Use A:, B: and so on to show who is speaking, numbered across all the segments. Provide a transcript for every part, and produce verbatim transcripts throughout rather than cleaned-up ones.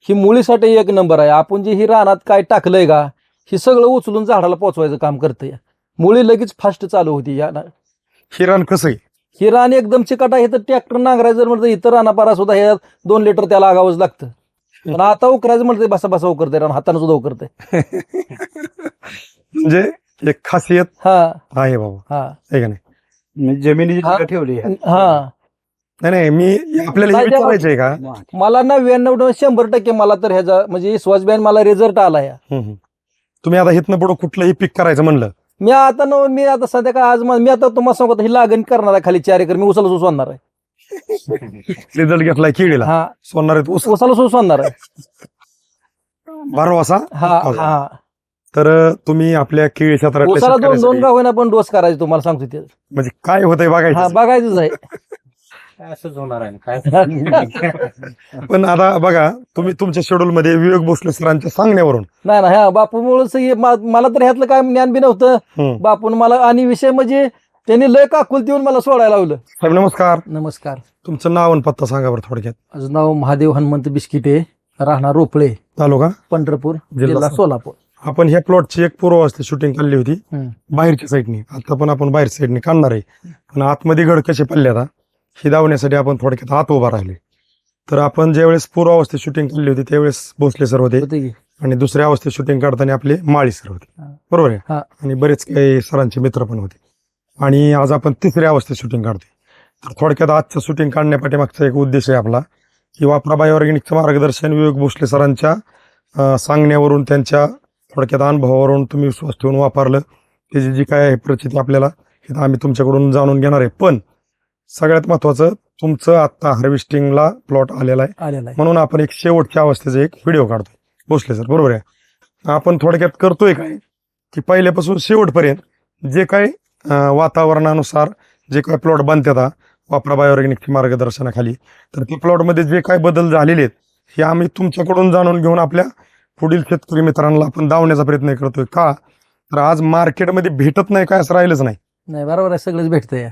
A: ही मुळीसाठी एक नंबर आहे. आपण जे ही रानात काय टाकलंय का हे सगळं उचलून झाडाला पोचवायचं काम करतंय. मुळी लगेच फास्ट चालू होती. या
B: हे रान कसं आहे?
A: ही रान एकदम चिकाट आहे तर ट्रॅक्टर नांगरायचं जर म्हणतं इतर रानापारा सुद्धा हे दोन लिटर त्याला आगावंच लागतं. पण आता उकरायचं म्हणते बसा बसा उकरते रान हाताने सुद्धा उकरते.
B: म्हणजे एक खासियत
A: हा
B: आहे बाबा,
A: हा
B: आहे का नाही?
C: जमिनीची
A: हा.
C: ठिकाण ठेवली आहे.
A: हा
B: नाही नाही मी आपल्याला हे
A: नाही, त्या-
B: विचारायचंय का?
A: मला नव्याण्णव शंभर टक्के मला तर ह्याचा म्हणजे स्वजबॅन मला रिझल्ट आला या.
B: हम्म, हम्म. तुम्ही आता इथनं पुढं कुठलंही पीक करायचं म्हणलं
A: मी आता न मी आता सध्या काय आज मा- मी आता तुम्हाला सांगतो ही लागण करणार आहे खाली चार एकर मी उसाला सोसवणार आहे.
B: रिझल्ट घेतलाय केळीला,
A: हा
B: सोडणार आहेत ऊस
A: उसाला सोसवणार आहे.
B: बारवासा.
A: हा हा
B: तर तुम्ही आपल्या केळी
A: उसाला दोन
B: क्षेत्रातल्या
A: दोन का होईना पण डोस करायचे तुम्हाला सांगतो ते.
B: म्हणजे काय होतंय
A: हा
B: बघायचं.
A: बघायचंच आहे.
C: असंच होणार आहे काय.
B: पण आता बघा तुम्ही तुमच्या शेड्यूल मध्ये विवेक भोसले सरांच्या सांगण्यावरून
A: नाही ना ह्या बापूमुळे मला तर ह्यातलं काय ज्ञान बी नव्हतं.
B: हम्म.
A: बापून मला आणि विषय म्हणजे त्यांनी लय काकुल देऊन मला सोडायला लावलं.
B: साहेब नमस्कार,
A: नमस्कार.
B: तुमचं नाव आणि पत्ता सांगा बरं थोडक्यात.
A: माझं नाव महादेव हनुमंत बिस्किटे, राहणार रोपळे,
B: तालुका
A: पंढरपूर,
B: जिल्हा
A: जिल्हा सोलापूर.
B: आपण ह्या प्लॉटची एक पूर्वावस्थेत शूटिंग काढली होती
A: हम्म.
B: बाहेरच्या साईडनी. आता पण आपण बाहेरच्या साईडने काढणार आहे. पण आतमध्ये गड कसे पडले आता हे दावण्यासाठी आपण थोडक्यात आत उभा राहिले. तर आपण ज्यावेळेस पूर्वावस्थेत शूटिंग काढली होती त्यावेळेस भोसले सर होते
A: होते की?
B: आणि दुसऱ्या अवस्थेत शूटिंग काढताना आपले माळी सर होते,
A: हा.
B: बरोबर आहे.
A: हा.
B: आणि बरेच काही सरांचे मित्र पण होते. आणि आज आपण तिसऱ्या अवस्थेत शूटिंग काढतोय. तर थोडक्यात आजचं शूटिंग काढण्यापाठीमागचा एक उद्देश आहे आपला की वापरा बायोऑर्गॅनिकचं मार्गदर्शन विवेक भोसले सरांच्या अं, सांगण्यावरून त्यांच्या थोडक्यात अनुभवावरून तुम्ही विश्वास ठेवून वापरलं त्याची जी काय आहे प्रचिती आपल्याला हे आम्ही तुमच्याकडून जाणून घेणार आहे. पण सगळ्यात महत्वाचं तुमचं आता हार्वेस्टिंगला प्लॉट आलेला आहे
A: आलेला आहे.
B: म्हणून आपण एक शेवटच्या अवस्थेचा एक व्हिडिओ काढतोय भोसले सर, बरोबर आहे. आपण थोडक्यात करतोय काय की पहिल्यापासून शेवटपर्यंत जे काही अं, वातावरणानुसार जे काही प्लॉट बनतात वापरा बायोऑर्गॅनिकच्या मार्गदर्शनाखाली, तर त्या प्लॉटमध्ये जे काही बदल झालेले आहेत हे आम्ही तुमच्याकडून जाणून घेऊन आपल्या पुढील शेतकरी मित्रांना आपण दावण्याचा प्रयत्न करतोय. का तर आज मार्केटमध्ये भेटत नाही काय असं राहिलंच नाही.
A: नाही बरोबर आहे, सगळंच भेटतंय.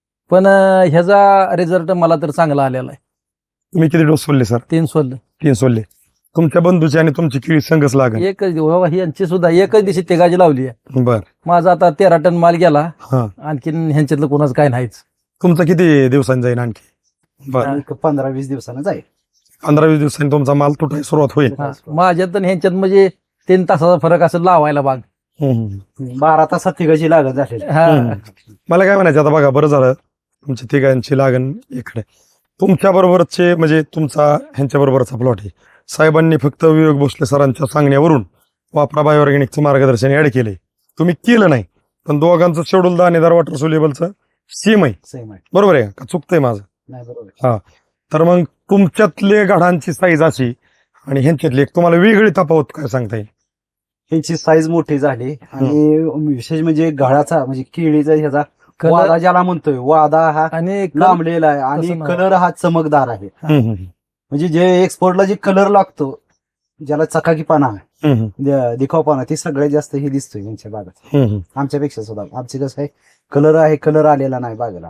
A: पण अं, ह्याचा रिझल्ट मला तर चांगला आलेला आहे.
B: तुम्ही किती डोस सोडले सर?
A: तीन सोल
B: तीन सोडले. तुमच्या बंधूची आणि तुमची केळी संघच लागेल.
A: एकच दिवस बाबा ही यांची सुद्धा एकच दिवशी तेगाजी लावली आहे.
B: बर.
A: माझा आता तेरा टन माल गेला.
B: हा.
A: आणखीन ह्यांच्यातलं कोणाचं काय नाहीच.
B: तुमचं किती दिवसांनी जाईल आणखी? बर.
C: एक पंधरा वीस दिवसानं जाईल.
B: पंधरा वीस दिवसांनी तुमचा माल तुटायला सुरुवात होईल.
A: हा. माझ्यात आणि ह्यांच्यात म्हणजे तीन तासाचा फरक असं लावायला बाग.
B: हम्म, हम्म.
C: बारा तासात तिघाची लागत झालेली.
A: हा.
B: हम्म. मला काय म्हणायचं आता बघा, बरं झालं तुमच्या तिघांची लागण इकडे. तुमच्या बरोबरचे म्हणजे तुमचा ह्यांच्या बरोबरचा प्लॉट आहे. साहेबांनी फक्त विवेक भोसले सरांच्या सांगण्यावरून वापरा बायोऑर्गॅनिकचं मार्गदर्शन ऍड केलंय. तुम्ही केलं नाही, पण दोघांचं शेड्यूल दाणेदार वॉटर सोल्युबलचं सेम आहे,
C: सेम आहे.
B: बरोबर आहे का? चुकतंय माझं?
C: नाही बरोबर आहे.
B: तर मग तुमच्यातले गाढांची साईज अशी आणि ह्यांच्यातली एक तुम्हाला वेगळी तफावत काय सांगता येईल?
C: ह्याची साईज मोठी झाली आणि विशेष म्हणजे गळाचा म्हणजे केळीचा ह्याचा
A: कलर
C: वादा ज्याला म्हणतोय वादा हा
A: आणि
C: लांबलेला आहे आणि
A: तसं नाही.
C: कलर हा चमकदार आहे.
B: हम्म, हम्म,
C: म्हणजे जे एक्सपोर्टला जे कलर लागतो ज्याला चकाकीपणा आहे,
B: हम्म,
C: द- दिखावपणा ते सगळ्यात जास्त हे दिसतोय यांच्या बागात
B: हम्म, हम्म.
C: आमच्यापेक्षा सुद्धा. आमचे कसं आहे कलर आहे, कलर आलेला नाही बागेला.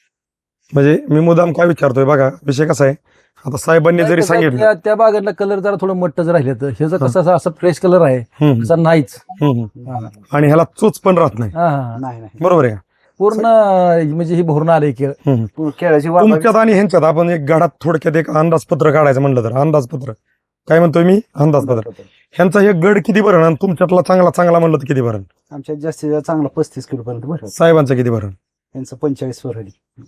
B: म्हणजे मी मुद्दाम काय विचारतोय बघा, विषय कसा आहे, आता साहेबांनी जरी सांगितलं
A: त्या- त्या बागातला कलर जरा थोडं मट्टच राहिले तर ह्याचं कसं असं- असं फ्रेश कलर आहे
B: हम्म,
A: तसा नाहीच.
B: हम्म, हम्म.
A: हा.
B: आणि ह्याला चोच पण राहत नाही,
A: हा, हा.
C: नाही नाही
B: बरोबर आहे का?
A: पूर्ण म्हणजे ही भरून आले केळ.
B: हम्म.
C: पूर्ण केळाची वादा
B: तुमच्यात आणि ह्यांच्यात आपण एक गाडात थोडक्यात एक अंदाजपत्र काढायचं म्हणलं तर अंदाजपत्र काय म्हणतोय मी? अंदाजपत्र. ह्यांचा हे गड किती भरण आणि तुमच्यातला चांगला चांगला म्हणलं तर किती भरण?
C: आमच्यात जास्तीत जास्त चांगला पस्तीस किलो पर्यंत भरत.
B: साहेबांचं किती भरण?
C: त्यांचं पंचेचाळीस वरली.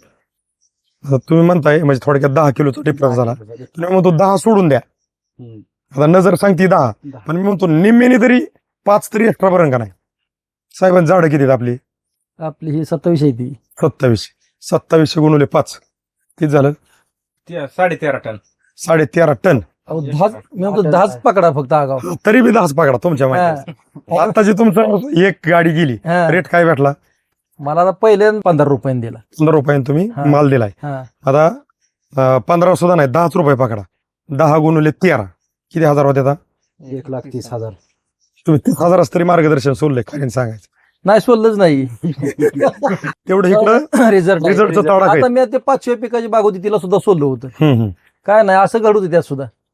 B: आता तुम्ही म्हणताय म्हणजे थोडक्यात दहा किलोचा डिफरन्स झाला. तुम्ही म्हणतो दहा सोडून द्या,
C: हम्म.
B: आता नजर सांगते दहा,
C: दहा.
B: पण मी म्हणतो निम्मेने तरी पाच तरी एक्स्ट्रा भरण का नाही? साहेबांची झाडं किती आहेत आपली?
A: आपली ही सत्तावीस आहे ती.
B: सत्तावीसशे. सत्तावीसशे गुणवले पाच किती झालं?
D: साडे तेरा टन.
B: साडे तेरा टन.
A: अहो, दहाच मी म्हणतो दहाच पकडा फक्त आगाव.
B: तरी बी दहाच पकडा तुमच्या माहिती.
A: हा.
B: आता जी तुमचं एक गाडी गेली,
A: हा.
B: रेट काय भेटला?
A: मला आता पहिले पंधरा रुपयाने दिला.
B: पंधरा रुपयाने तुम्ही
A: हा.
B: माल दिलाय.
A: हा.
B: आता अं, पंधरा सुद्धा नाही, दहाच रुपये पकडा. दहा गुणवले तेरा किती हजार होते? आता
C: एक लाख तीस हजार.
B: तुम्ही तीस हजाराच तरी मार्गदर्शन सोडले काय सांगायचं.
A: नाही सोडलंच नाही.
B: तेवढं इकडं
A: रिझल्ट
B: रिझल्टचा तडा काय?
A: आता मी ते पाचशे पिकाची बाग होती तिला सुद्धा सोडलं होतं.
B: हम्म, हम्म.
A: काय नाही असं घडू त्यात सुद्धा.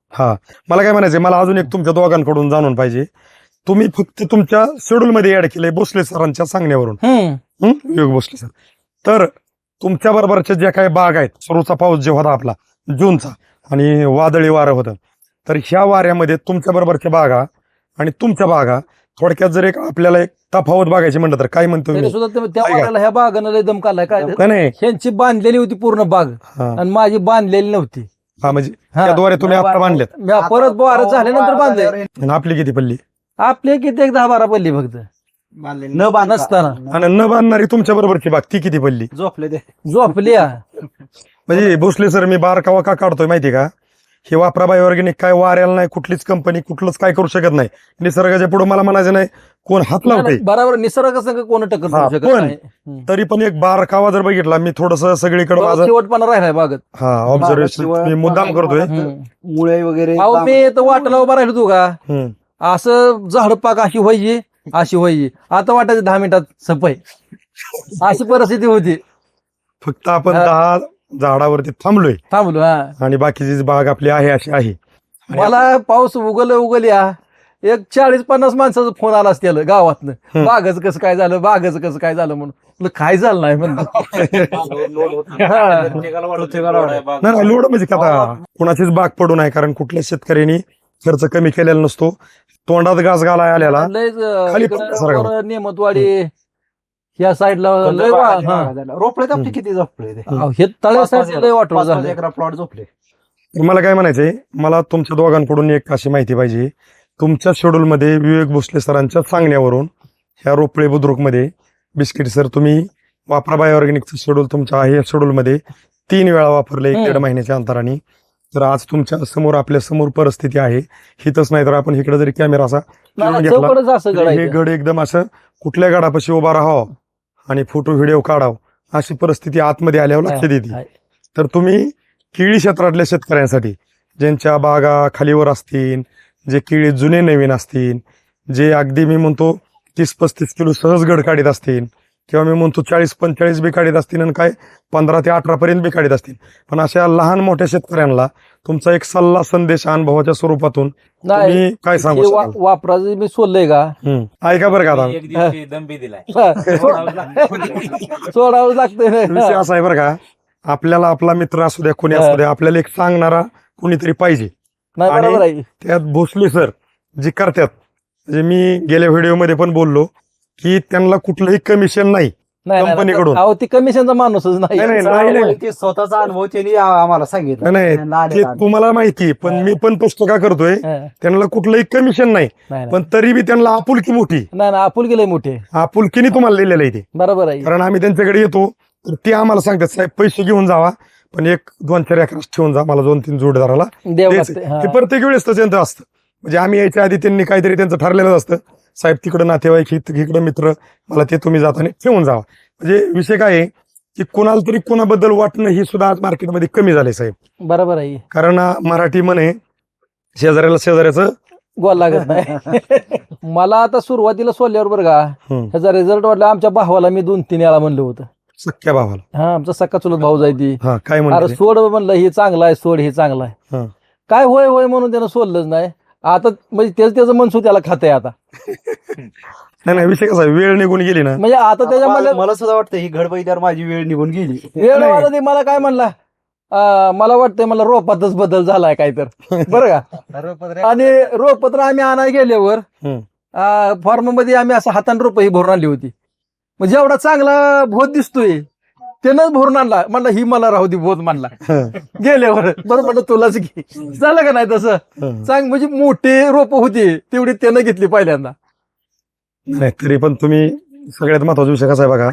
B: हा मला काय म्हणायचंय, मला अजून एक तुमच्या दोघांकडून जाणून पाहिजे. तुम्ही फक्त तुमच्या शेड्यूल मध्ये ऍड केलंय भोसले सरांच्या सांगण्यावरून.
A: हम्म
B: हं? विवेक भोसले सर. तर तुमच्या बरोबरच्या ज्या काही बाग आहेत, सुरूचा पाऊस जे होता आपला जूनचा आणि वादळी वारं होतं, तर ह्या वाऱ्यामध्ये तुमच्या बरोबरच्या बागा आणि तुमच्या बागा थोडक्यात जर एक आपल्याला एक तफावत बघायची म्हणलं तर काय म्हणतो
A: तरी
B: मी?
A: सुद्धा ते- त्या
B: ऐका.
A: वाड्याला ह्या बागानं लय दम काढलाय काय
B: नाही, नाही
A: ह्यांची बांधलेली होती पूर्ण बाग
B: हा
A: आणि माझी बांधलेली नव्हती.
B: हा, म्हणजे
A: हा.
B: त्याद्वारे तुम्ही आता बांधलेत.
A: म्या परत बारा झाल्यानंतर बांधले.
B: आणि आपली किती पल्ली
A: आपले किती एक दहा बारा पडली फक्त
C: न बांधता
A: नसताना
B: आणि न बांधणारी तुमच्या बरोबरची बाग ती किती पल्ली?
C: झोपले ते
A: झोपली हा.
B: म्हणजे भोसले सर मी बारकावा का काढतोय माहिती का? हे वापरा बाय ऑर्गॅनिक काय वाऱ्याला नाही, कुठलीच कंपनी कुठलंच काय करू शकत नाही. निसर्गाच्या पुढे मला म्हणायचं नाही कोण हात लावते,
A: बरोबर निसर्ग संग कोण टक्कर
B: हा,
A: करू शकत
B: पण
A: नाही. हम्म.
B: तरी पण एक बारकावा जर बघितला मी थोडस सगळीकडे माझं
A: शेवटपणा राहिलाय बागत.
B: हा ऑब्झर्वेशन मी मुद्दाम करतोय.
A: हम्म.
C: मुळे वगैरे
A: अहो मी तर वाटाला उभा राहिलो तू का
B: हम्म.
A: असं झाड पाक अशी व्हायची अशी व्हायची आता वाटायचं दहा मिनिटात सफाई अशी परिस्थिती होती.
B: फक्त आपण
A: हा.
B: दहा झाडावरती थांबलोय
A: थांबलो हा.
B: आणि बाकीची जी बाग आपली आहे अशी आहे. आणि
A: मला पाऊस उगल उगल या एक चाळीस पन्नास माणसाचा फोन आला असतील गावातनं
B: हम्म.
A: बागच कसं काय झालं बागच कसं काय झालं म्हणून म्हणलं, काय झालं नाही म्हणलं.
B: नाही नाही, लोड म्हणजे का आता कुणाचीच बाग पडू नये, कारण कुठल्याच शेतकऱ्यांनी खर्च कमी केलेला नसतो. तोंडात घास घालाय आलेला
A: लयच, अं,
B: खाली
A: इकडं
B: पडल्यासारखं.
A: वर नेमतवाडी या साईडला लय वा- हा.
C: रोपळे आपले किती झोपले ते
A: अहो, हे तळ्यासाठी लय वाटलं झालं.
C: एकरा प्लॉट झोपले.
B: मला काय म्हणायचंय, मला तुमच्या दोघांकडून एक अशी माहिती पाहिजे. तुमच्या शेड्यूल मध्ये विवेक भोसले सरांच्या सांगण्यावरून ह्या रोपळे बुद्रुक मध्ये बिस्किट सर तुम्ही वापरा बाय ऑर्गॅनिकचं शेड्यूल तुमच्या आहे या शेड्यूल मध्ये तीन वेळा वापरले एक
A: हम्म.
B: दीड महिन्याच्या अंतराने. तर आज तुमच्या समोर आपल्या समोर परिस्थिती आहे. हितच नाही तर आपण इकडे जरी कॅमेरा असा फिरून
A: नाही,
B: घेतला
A: चौकडच असं
B: तरी हे
A: घडायचं.
B: गड एकदम असं कुठल्या गडापाशी उभा राहावं आणि फोटो व्हिडिओ काढावं अशी परिस्थिती आतमध्ये आल्यावर लक्षात येते.
A: आहे.
B: तर तुम्ही केळी क्षेत्रातल्या शेतकऱ्यांसाठी ज्यांच्या बागा खालीवर असतील, जे केळी जुने नवीन असतील, जे अगदी मी म्हणतो तीस पस्तीस किलो सहज गड काढीत असतील किंवा मी म्हणतो चाळीस पंचेचाळीस बी काढीत असतील आणि काय पंधरा ते अठरा पर्यंत बी काढीत असतील, पण अशा लहान मोठ्या शेतकऱ्यांना तुमचा एक सल्ला संदेश अनुभवाच्या स्वरूपातून
A: नाही
B: तुम्ही काय सांगू
A: हे वा-
B: शकाल?
A: वापराचं मी सोडलंय का
B: हम्म. ऐका बरं का आता
D: एक दिवशी दंबी दिलाय
A: सोडावं लागतंय
B: विषय असा आहे बरं का, आपल्याला आपला मित्र असू द्या कोणी असू द्या आपल्याला एक सांगणारा कोणीतरी पाहिजे.
A: नाही
B: आणि-
A: बरोबर आहे.
B: त्यात भोसले सर जे करतात, म्हणजे मी गेल्या व्हिडिओमध्ये पण बोललो की त्यांना कुठलंही कमिशन नाही
A: नाही, नाही,
B: कंपनीकडून.
A: अहो ती कमिशनचा माणूसच नाही.
B: नाही, नाही, नाही, नाही.
C: ते स्वतःचा अनुभव त्यांनी आम्हाला सांगितलं.
B: नाही
C: नाले
B: ते
C: काढले.
B: तुम्हाला माहिती, पण मी पण पोस्ट का करतोय
A: हा.
B: त्यांना कुठलंही कमिशन नाही,
A: नाही नाही.
B: पण तरी बी त्यांना आपुलकी मोठी
A: नाही नाही आपुल गेले मोठे
B: आपुलकीने तुम्हाला लिहिलेलं आहे ते.
A: बरोबर आहे.
B: कारण आम्ही त्यांच्याकडे येतो तर ते आम्हाला सांगतात साहेब पैसे घेऊन जावा पण एक दोन चार एकरास ठेवून जा, मला दोन तीन जोडदाराला
A: देव
B: द्यायचं.
A: लागते. हा.
B: हे प्रत्येक वेळेस तर त्यांचं असतं. म्हणजे आम्ही यायच्या आधी त्यांनी काहीतरी त्यांचं ठरलेलं असतं, साहेब तिकडं नातेवाईक इकडं मित्र, मला ते तुम्ही जाताना ठेवून जावा. म्हणजे विषय काय आहे की कोणाला तरी कोणाबद्दल वाटणं ही सुद्धा आज मार्केटमध्ये कमी झाले साहेब.
A: बरोबर आहे.
B: कारण आ, मराठी म्हणे शेजाऱ्याला शेजाऱ्याचं
A: गोल लागत नाही. मला आता सुरुवातीला सोडल्यावर बरं का
B: हम्म,
A: ह्याचा रिझल्ट वाटला. आमच्या भावाला मी दोन तीन वेळा म्हणलं होतं.
B: सख्या भावाला.
A: हा आमचा सक्का चुलत भाऊ जायती.
B: हा काय
A: अरे
B: म्हणते
A: सोड म्हणलं हे चांगलं आहे सोड हे चांगलं आहे.
B: हा.
A: काय होय होय म्हणून त्यानं सोडलंच नाही. आता म्हणजे तेच त्याचं मनसू त्याला खातंय आता.
B: नाही नाही विषय कसा आहे, वेळ निघून गेली ना.
A: म्हणजे आता त्याच्या
C: मला
A: मला
C: मला सुद्धा वाटतं ही घडबईदार माझी वेळ निघून गेली.
A: वेळ
B: नाही.
A: वाला ते मला काय म्हणला अं, मला वाटतंय मला रोपातच बदल झालाय काय तर बरं का. आणि रोप तर आम्ही आणायला गेल्यावर
B: हम्म.
A: फॉर्म मध्ये आम्ही असं हाताने रोप ही भरून आणली होती. म्हणजे एवढा चांगला भोत दिसतोय त्यानंच भरून आणला. म्हणला ही मला राहू दे भोत म्हणला गेल्यावर. बरं म्हणलं तुलाच घे. झालं का नाही तसं
B: हम्म.
A: चांग म्हणजे मोठे रोप होते तेवढी त्यानं घेतली पहिल्यांदा.
B: नाही तरी पण तुम्ही सगळ्यात महत्वाचा विषय कसा आहे बघा,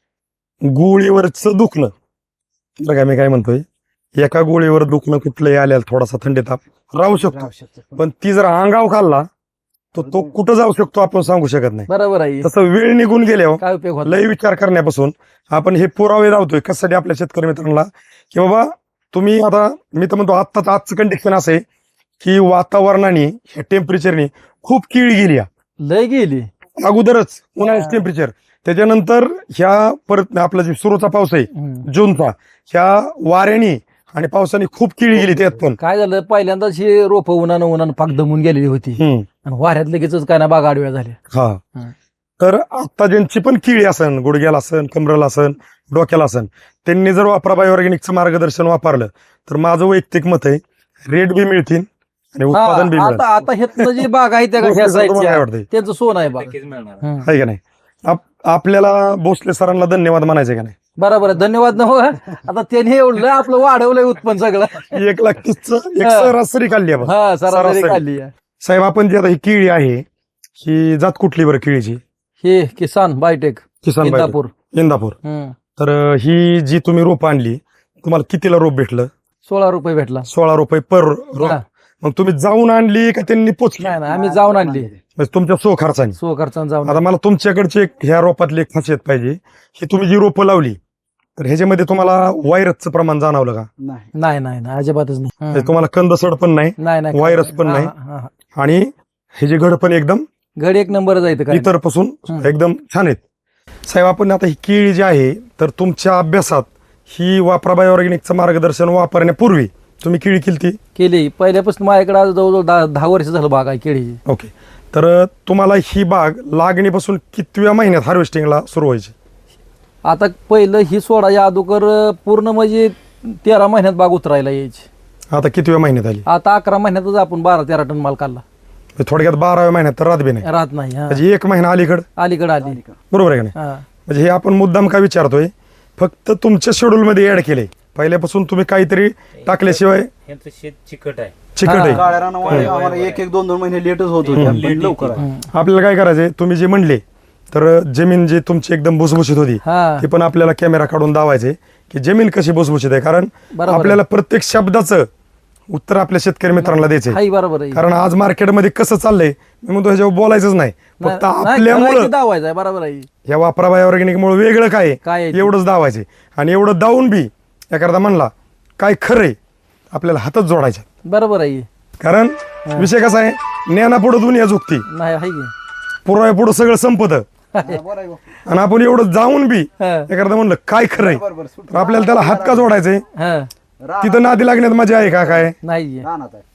B: गोळीवरच दुखणं. बरं का मी काय म्हणतोय, एका गोळीवर दुखणं कुठलंही आल्याला थोडासा थंडी ताप राहू शकतो, पण ती जर अंगाव खाल्ला तर तो कुठं जाऊ शकतो आपण सांगू शकत नाही.
A: बरोबर आहे.
B: तसं वेळ निघून गेल्यावर
A: काय उपयोग होता.
B: लय विचार करण्यापासून आपण हे पुरावे लावतोय कशासाठी आपल्या शेतकरी मित्रांना की बाबा तुम्ही आता, मी तर म्हणतो आत्ताच आजचं कंडिशन असं आहे की वातावरणाने ह्या टेम्परेचरने खूप केळी गेली आहे.
A: लय गेली.
B: अगोदरच उन्हाळ्याचं टेम्परेचर, त्याच्यानंतर ह्या परत आपला जे सुरूचा पाऊस आहे
A: हम्म.
B: जूनचा, ह्या वाऱ्याने आणि पावसाने खूप किळी गेली त्यात पण
A: काय झालं पहिल्यांदाच हे रोपं उन्हानं उन्हानं पाक दमून गेलेली होती
B: हम्म.
A: आणि वाऱ्यात लगेचच काय ना बाग आडव्या झाल्या
B: हा
A: हं.
B: तर आता ज्यांची पण किळी असन गुडघ्याला असन कमरेला असन डोक्याला असन त्यांनी जर वापरा बाय ऑर्गॅनिकचं मार्गदर्शन वापरलं तर माझं वैयक्तिक मत आहे रेट बी मिळतील आणि उत्पादन बी
A: हा,
B: मिळेल.
A: आता आता हेतनं जी बाग आहे त्या ह्या
B: तुम्हाला काय
A: साईडच्या
B: वाटतंय?
A: त्यांचं सोन आहे बाग
D: नक्कीच मिळणार
A: हं.
B: आहे का नाही आप- आपल्याला भोसले सरांना धन्यवाद म्हणायचे का नाही
A: बरोबर आहे धन्यवाद न हो आता त्यांनी एवढं आपलं वाढवलंय उत्पन्न सगळं
B: एक लाख तीसचं एक
A: हा.
B: सरासरी काढली आपण
A: हा सरासरी
B: सरासरी.
A: खाल्ली आहे.
B: साहेब आपण जी आता ही केळी आहे ही जात कुठली बरं केळीची
A: हे किसान बायोटेक
B: किसान बाई
A: इंदापूर
B: इंदापूर
A: हं.
B: तर अं, ही जी तुम्ही रोप आणली तुम्हाला कितीला रोप भेटलं
A: सोळा रुपये भेटला
B: सोळा रुपये पर रोप
A: हा.
B: मग तुम्ही जाऊन आणली का त्यांनी पोचली
A: नाही ना आम्ही जाऊन आणली
B: म्हणजे तुमच्या सो खर्चाने
A: सो खर्चानं जाऊन
B: आता मला तुमच्याकडची एक ह्या रोपातली एक खासियत पाहिजे ही तुम्ही जी रोपं लावली तर ह्याच्यामध्ये तुम्हाला व्हायरसचं प्रमाण जाणवलं का
C: नाही
A: नाही नाही नाही अजिबातच नाही
B: म्हणजे
A: हं.
B: तुम्हाला कंदसड पण नाही
A: नाही नाही
B: व्हायरस पण
A: हा,
B: नाही.
A: हा, हा.
B: आणि हे जे घड पण एकदम
A: घडी एक नंबर जायचं काय
B: इतर पासून
A: हं.
B: एकदम छान आहेत साहेब आपण आता ही केळी जी आहे तर तुमच्या अभ्यासात ही वापरा बाय ऑर्गॅनिकचं मार्गदर्शन वापरण्यापूर्वी तुम्ही केळी केली
A: केली पहिल्यापासून माझ्याकडे आज जवळजवळ दहा दहा वर्ष झालं बाग आहे केळीची
B: ओके तर तुम्हाला ही बाग लागणीपासून कितव्या महिन्यात हार्वेस्टिंगला सुरू व्हायची
A: आता पहिलं ही सोडाच्या अगोदर पूर्ण म्हणजे तेरा महिन्यात बाग उतरायला यायची
B: आता कितव्या महिन्यात आली
A: आता अकरा महिन्यातच आपण बारा तेरा टन माल काढला
B: म्हणजे थोडक्यात बाराव्या महिन्यात तर रात बी नाही
A: राहत नाही हा.
B: म्हणजे एक महिना अलीकड
A: अलीकडे आली
B: बरोबर आहे का नाही
A: हा.
B: म्हणजे हे आपण मुद्दाम का विचारतोय फक्त तुमच्या शेड्यूल मध्ये ऍड केले पहिल्यापासून तुम्ही काहीतरी टाकल्याशिवाय
D: यांचं शेत चिकट आहे
B: चिकट
A: हा.
B: आहे
C: काळ्या रानामुळे आम्हाला एक एक दोन दोन महिने लेटच होत होते
B: हम्म.
C: पण लवकर आहे.
A: हं.
B: आपल्याला काय करायचंय तुम्ही जे म्हणले तर जमीन जी तुमची एकदम भुसभुशीत होती
A: हा
B: ते पण आपल्याला कॅमेरा काढून दावायचे की जमीन कशी भुसभुशीत आहे कारण
A: बरोबर
B: आपल्याला प्रत्येक शब्दाचं उत्तर आपल्या शेतकरी मित्रांना द्यायचंय
A: हाही बरोबर आहे
B: कारण आज मार्केटमध्ये कसं चाललंय मी म्हणतो ह्याच्यावर बोलायचंच नाही फक्त
A: नाही, नाही,
B: आपल्यामुळं
A: करायची दावायचं आहे बरोबर आहे
B: या वापराबाय ऑर्गॅनिक मुळे वेगळं काय आहे,
A: काय आहे ते?
B: एवढंच दावायचे आणि एवढं दावून बी एखादा म्हणला काय खरंय आपल्याला हातच जोडायचे
A: बरोबर आहे
B: कारण विषय कसा आहे ज्ञानापुढं दुनिया झुकती
A: नाही आहे की
B: पुराव्या पुढं सगळं संपत
C: हा, बरं आहे बुवा.
B: आणि आपण एवढं जाऊन बी
A: हा.
B: एखादा म्हणलं काय खरंय
C: बरं, बरं, सुट.
B: तर आपल्याला त्याला हात का जोडायचे
A: हा
C: रानात-
B: तिथं नादी लागण्यात मजा आहे का काय
A: नाही आहे.
C: रानात आहे.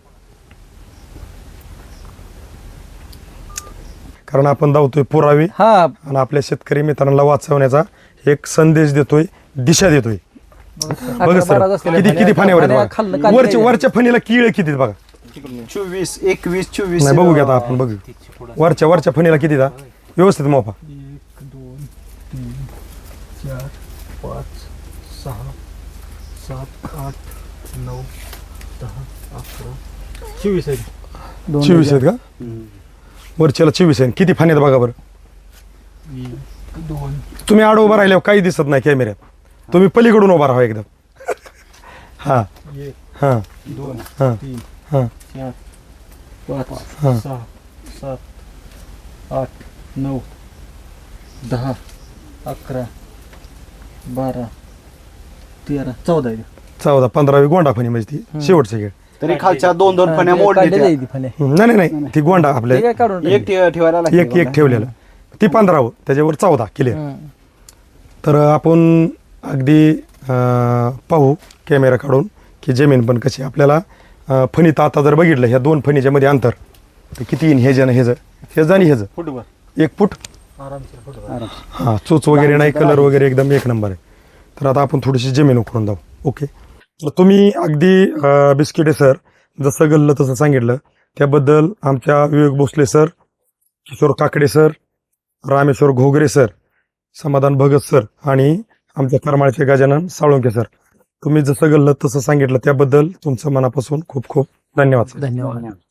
B: कारण आपण धावतोय पुरावे
A: हा
B: आणि आपल्या शेतकरी मित्रांना वाचवण्याचा एक संदेश देतोय दिशा देतोय बघा
A: अकरा
B: सर
A: बारा असलेल्या
B: किती किती
A: फण्या-
B: फाण्यावर
A: फण्या
B: आहेत
A: खाल्लं-
B: बघा.
A: खाल्लं
B: वरच्या
A: नाही.
B: वरच्या फणीला किळ किती आहेत बघा
C: चोवीस एकवीस चोवीस
B: नाही बघू घ्या आता आपण बघू वरच्या वरच्या फणीला किती दा व्यवस्थित मोपा
A: एक दोन तीन चार पाच सहा सात आठ नऊ दहा अकरा चोवीस आहे दोन
B: चोवीस आहेत का
C: हम्म.
B: वरच्याला चोवीस आहेत किती फाण्यात बघा बरं
A: एक दोन
B: तुम्ही आड उभा राहिल्यावर काही दिसत नाही कॅमेऱ्यात तुम्ही पलीकडून उभा राहा एकदम हा
A: एक
B: हा
A: दोन
B: हा
A: तीन
B: हा
A: चार पाच
B: हा.
A: सहा सात आठ नऊ दहा अकरा बारा तेरा चौदा आहे.
B: चौदा पंधरावी गोंडा फणी म्हणजे ती शेवटची खेळ
C: तरी खालच्या दोन दोन फण्या
A: हा,
C: मोडल्या
A: काढलेलं
C: त्या.
A: आहे ती फण्या.
B: नाही नाही नाही ती गोंडा आपल्या
A: ते काय काढून
C: एक ठे- ठेवायला लागते
B: एक एक
C: बघा.
B: ठेवलेलं ती पंधरावं त्याच्यावर चौदा क्लिअर
A: हं.
B: तर आपण अगदी अं, पाहू कॅमेरा काढून की जमीन पण कशी आपल्याला अं, फणीत आता जर बघितलं ह्या दोन फणीच्या मध्ये अंतर तर किती येईन हे जण हे हेज आणि हेज
C: फुटबॉल
B: एक फूट
A: आरामशीर फोटो.
C: आराम.
B: हा चोच वगैरे नाही कलर वगैरे एकदम एक नंबर आहे तर आता आपण थोडीशी जमीन उकरून जाऊ ओके तर तुम्ही अगदी अं, बिस्किटे सर जसं गल्लं तसं सांगितलं त्याबद्दल आमच्या Vivek Bhosale sir Kishor Kakade sir Rameshwar Ghogare sir Samadhan Bhagat sir आणि आमच्या करमाळचे गजानन साळुंके सर तुम्ही जसं गल्लं तसं सांगितलं त्याबद्दल तुमचं मनापासून खूप खूप धन्यवाद सर
A: धन्यवाद
C: धन्यवाद.